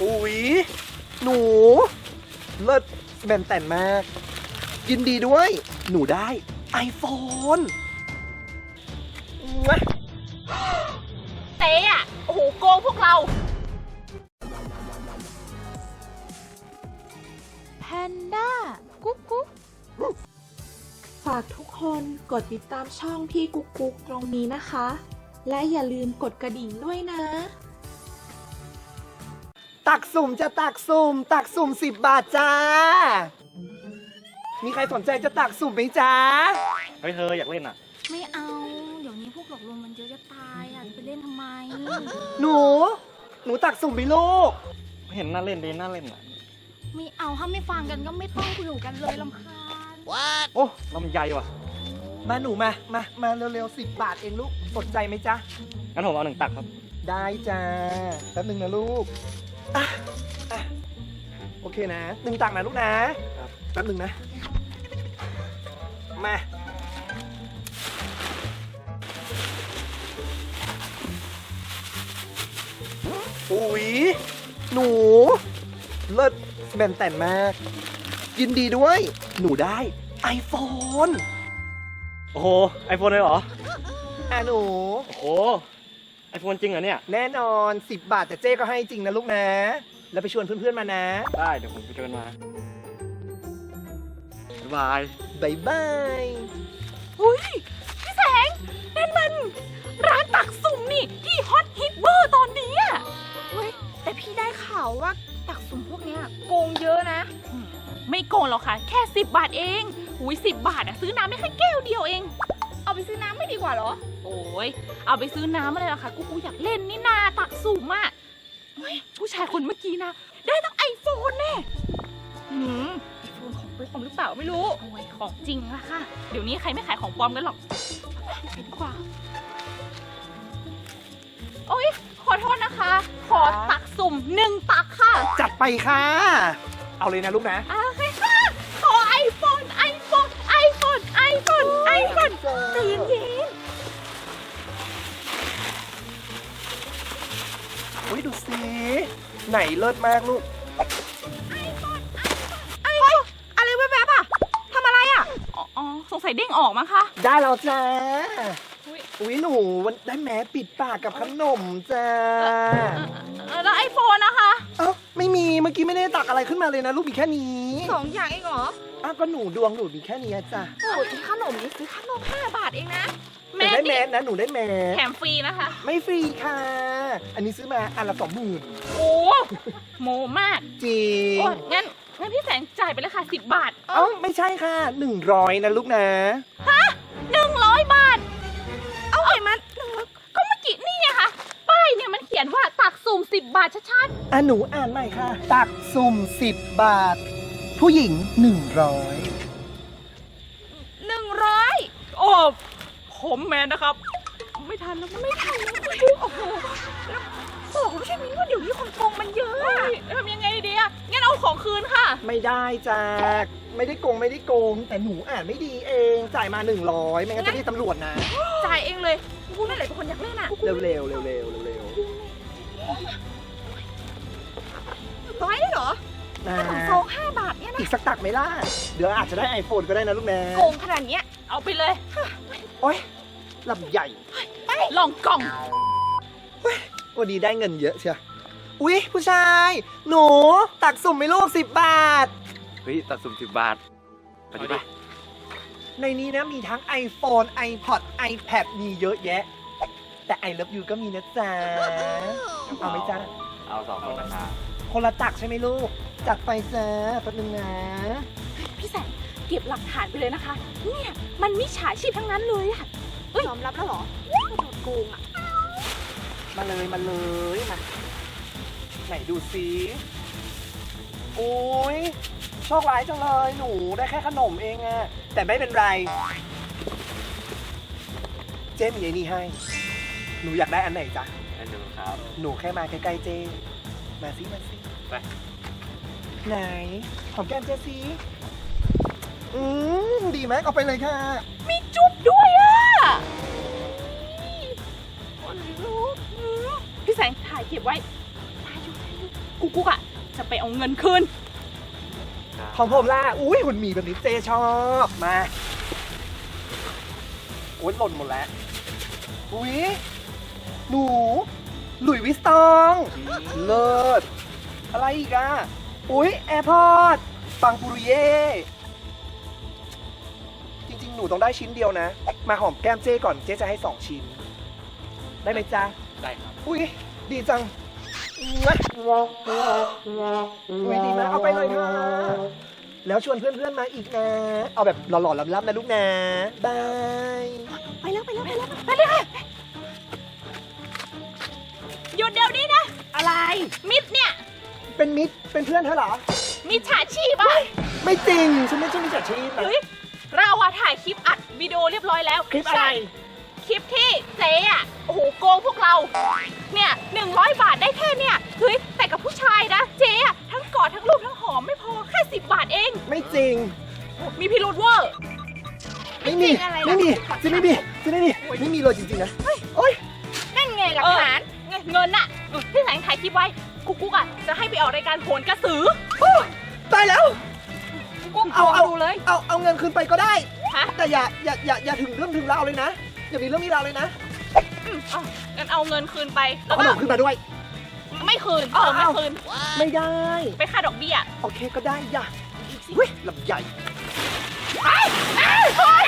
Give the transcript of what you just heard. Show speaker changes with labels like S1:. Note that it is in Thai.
S1: อุ๊ยหนูเลิศแบนแต่นมากยินดีด้วยหนูได้ iPhone มา
S2: เจ๊อะโอ้โหโกงพวกเราแพนด้ากุ๊กกุ๊ก
S3: ฝากทุกคนกดติดตามช่องพี่กุ๊กกุ๊กตรงนี้นะคะ และอย่าลืมกดกระดิ่งด้วยนะ
S1: ตักสุ่มจะตักสุ่ม10 บาทจ้า มีใครสนใจจะตักสุ่มไหมจ้า
S4: เฮ้ยเธออยากเล่นอ่ะ
S2: ไม่เอา เดี๋ยวนี้พวกหลอกลวงมันเยอะจะตายอ่ะจะไปเล่นทำไม
S1: หนูตักสุ่มไปลูก
S4: เห็นน่าเล่นดีน่าเล่นอ่ะ
S2: ไม่เอาถ้าไม่ฟังกันก็ไม่ต้องคุยกันเลยรำคาญ
S4: โอ้ลำไยว่ะ
S1: มาหนูมาเร็วๆ10 บาทเองลูกสนใจไหมจ๊ะ
S4: งั้นผมเอา1 ตักครับ ได้
S1: ได้จ้าแป๊บนึงนะลูกอ่ะโอเคนะ1 ตักนะลูกนะแป๊บนึงนะมาอุ๊ยหนูเลิศแบนแต่นมากยินดีด้วยหนูได้ iPhone
S4: โอ้โหไอโฟนเลยเหรอ
S1: หนู
S4: โอ้โหไอโฟนจริงเหรอเนี่ย
S1: แน่นอน10 บาทแต่เจ๊ก็ให้จริงนะลูกนะ แล้วไปชวนเพื่อนๆมานะ
S4: ได้เดี๋ยวผมไปเจอมาบ๊ายบาย
S1: บายบาย
S2: อุ้ยพี่แสงนั่นมันร้านตักสุ่มนี่ที่ฮอตฮิตเบอร์ตอนนี้อ่ะเฮ้ยแต่พี่ได้ข่าวว่าตักสุ่มพวกเนี้ยโกงเยอะนะไม่โกงหรอกค่ะแค่10 บาทเองอุ้ย10 บาทอ่ะซื้อน้ำได้แค่แก้วเดียวเองเอาไปซื้อน้ำไม่ดีกว่าเหรอโอ้ยเอาไปซื้อน้ำอะไรล่ะคะกูอยากเล่นนี่นาตักสุ่มอ่ะเฮ้ยผู้ชายคนเมื่อกี้นะได้ตั้งไอโฟนแน่ไอโฟนของปลอมหรือเปล่าไม่รู้โอ้ยของจริงอะค่ะเดี๋ยวนี้ใครไม่ขายของปลอมกันหรอกไปดีกว่าโอ้ยขอโทษนะคะ ขอตักสุ่ม1 ตักค่ะ
S1: จัดไปค่ะ เอาเลยนะลูกนะ
S2: โอเคค่ะขอไอโฟนใจเย็น
S1: อุ้ยดูสิไหนเลิศมากลูก
S2: อะไรแวบๆอ่ะทำอะไรอ่ะอ๋อสงสัยเด้งออกมั้งคะ
S1: ได้แล้วจ้า
S2: อุ๊ย
S1: อุ้ยหนูวันได้แม้ปิดปากกับขนมจ้า
S2: แล้วไอโฟนนะคะ
S1: เอ้าไม่มีเมื่อกี้ไม่ได้ตักอะไรขึ้นมาเลยนะลูกมีแค่นี้
S2: 2 อย่างเองเหรอ
S1: อ้าวก็หนูดวงหนูมีแค่นี้จ้ะ
S2: โอ้ยขนมนี่ซื้อขนม5 บาทเองนะ
S1: หนูได้แมสนะหนูได้แมส
S2: แถมฟรีนะคะ
S1: ไม่ฟรีค่ะ อันนี้ซื้อมาอันละ20,000
S2: โอ้โมมาก
S1: จริง
S2: โอ้งั้นพี่แสงจ่ายไปเลยค่ะ10 บาท
S1: เอ้าไม่ใช่ค่ะ100นะลูกนะ
S2: 100 บาท เอาไงมันก็เมื่อกี้นี่ไงคะป้ายเนี่ยมันเขียนว่าตักสุ่ม10 บาทชัด
S1: หนูอ่านใหม่ค่ะ ตักสุ่ม10 บาท ผู้หญิง100
S2: ๆ100โอ้ผมแมนนะครับ ไม่ทันแล้วไม่ทันแล้วโอ้โหแล้วบอกไม่ใช่มินว่าเดี๋ยวนี้คนโกงมันเยอะอะทำยังไงดีอะงั้นเอาของคืนค่ะ
S1: ไม่ได้จ้าไม่ได้โกงแต่หนูอ่านไม่ดีเองจ่ายมา100ไม่งั้นจะเรียกตำรวจนะ
S2: จ่ายเองเลยกูนั่นแหละเป็นคนอยากเล่นอะ
S1: เร็วๆเร็ว
S2: ร้อยได้เหรอ
S1: ๆนะ
S2: ขนมซอง5 บาทเนี่ยนะ
S1: อีกสักตักไหมล่ะเดี๋ยวอาจจะได้ iPhone ก็ได้นะลูกนะ
S2: โกงขนาดเนี้ยเอาไปเลย
S1: โอ๊ยลำใหญ่
S2: ลองกล่อง
S1: วันนี้ได้เงินเยอะเชียวอุ๊ยผู้ชาย หนูตักสุ่มไหม่ลูก10 บาท
S4: เฮ้ยตักสุ่ม10 บาทไปดิไป
S1: ในนี้นะมีทั้ง iPhone iPod iPad มีเยอะแยะ แต่ I love you ก็มีนะจ๊ะ เอาไหมจ๊ะ
S4: เอา2 คนนะครับ
S1: คนละตักใช่ไหมลูก จัดไปจ้าแป๊บนึงนะ
S2: พี่แสงเก็บหลักฐานไปเลยนะคะ เนี่ยมันมิจฉาชีพทั้งนั้นเลยอะยอมรับแล้วเหรอว่าโดนโกงอะ
S1: มาเลยมาไหนดูซิโอ้ยโชคร้ายจังเลยหนูได้แค่ขนมเองอะแต่ไม่เป็นไร เจ๊มีไอ้นี่ให้ หนูอยากได้อันไหนจ๊ะ
S4: อันหนึ่งครับ
S1: หนูแค่มาใกล้ๆเจ๊มาสิ
S4: ไป
S1: ไหนหอมแก้มเจ๊สิดีไหมเอาไปเลยค่ะ
S2: มีจุ๊บด้วยอะคนลุกพี่แสงถ่ายเก็บไว้ถ่ายอยู่กุ๊กกุ๊กอะจะไปเอาเงินคืน
S1: ของผมล่ะ อุ้ยหุ่นหมีแบบนี้เจชอบ มาโอ้ยหล่นหมดแล้ว อุ้ยหนู หลุยส์วิสตอง เลิศ อะไรอีกอ่ะ อุ้ยแอร์พอร์ตปังปุริเย่ จริงๆ หนูต้องได้ชิ้นเดียวนะ มาหอมแก้มเจ้ก่อน เจ้จะให้ 2 ชิ้น ได้ไหมจ๊ะ
S4: ได้ครับ
S1: อุ้ยดีจังอุ้ยดีมากเอาไปเลยค่ะ แล้วชวนเพื่อนๆมาอีกนะ เอาแบบหล่อๆล้ำๆนะลูกนะ บาย
S2: ไปเลยค่ะ หยุดเดี๋ยวนี้นะ
S1: อะไร
S2: มิดเนี่ย
S1: เป็นมิตร เป็นเพื่อนเธอเหรอ
S2: มิจฉาชีพอะ
S1: ไม่จริง ฉันไม่ใช่มิจฉาชีพนะ
S2: เฮ้ยเราอะถ่ายคลิปอัดวิดีโอเรียบร้อยแล้ว
S1: คลิปอะไร
S2: ใช่คลิปที่เจ๊อะโอ้โหโกงพวกเรา เนี่ย100 บาทได้แค่เนี่ยเฮ้ยแต่กับผู้ชายนะ เจ๊อะทั้งกอดทั้งรูปทั้งหอมไม่พอแค่10 บาทเอง
S1: ไม่จริง
S2: มีพิรุธเวอร์
S1: ไม่มี
S2: จริงอะไรล่ะ
S1: ไม่มีจะไม่มีจะไม่มี ไม่มีเลยจริงๆนะโอ๊ย
S2: นั่นไงหลักฐานเงินน่ะที่แสงถ่ายคลิปไว้กุ๊กกุ๊กอ่ะจะให้ไปออกรายการโหนกระสือ
S1: ตายแล้ว
S2: กุ๊ก
S1: เอา
S2: เอาดูเลย
S1: เอาเงินคืนไปก็ได้
S2: ฮะ
S1: แต่อย่าถึงเรื่องถึงราวเลยนะ อย่ามีเรื่องมีราวเลยนะ
S2: งั้นเอาเงินคืนไปแล้
S1: เอา
S2: ว
S1: ข
S2: ก็
S1: นมคืนมาด้วย
S2: ไม่คืน
S1: เอา
S2: ไม่คืน
S1: ไม่ได้
S2: ไปค่าดอกเบี้ย
S1: โอเคก็ได้อย่าเฮ้ยลำใหญ่
S2: เฮ้ย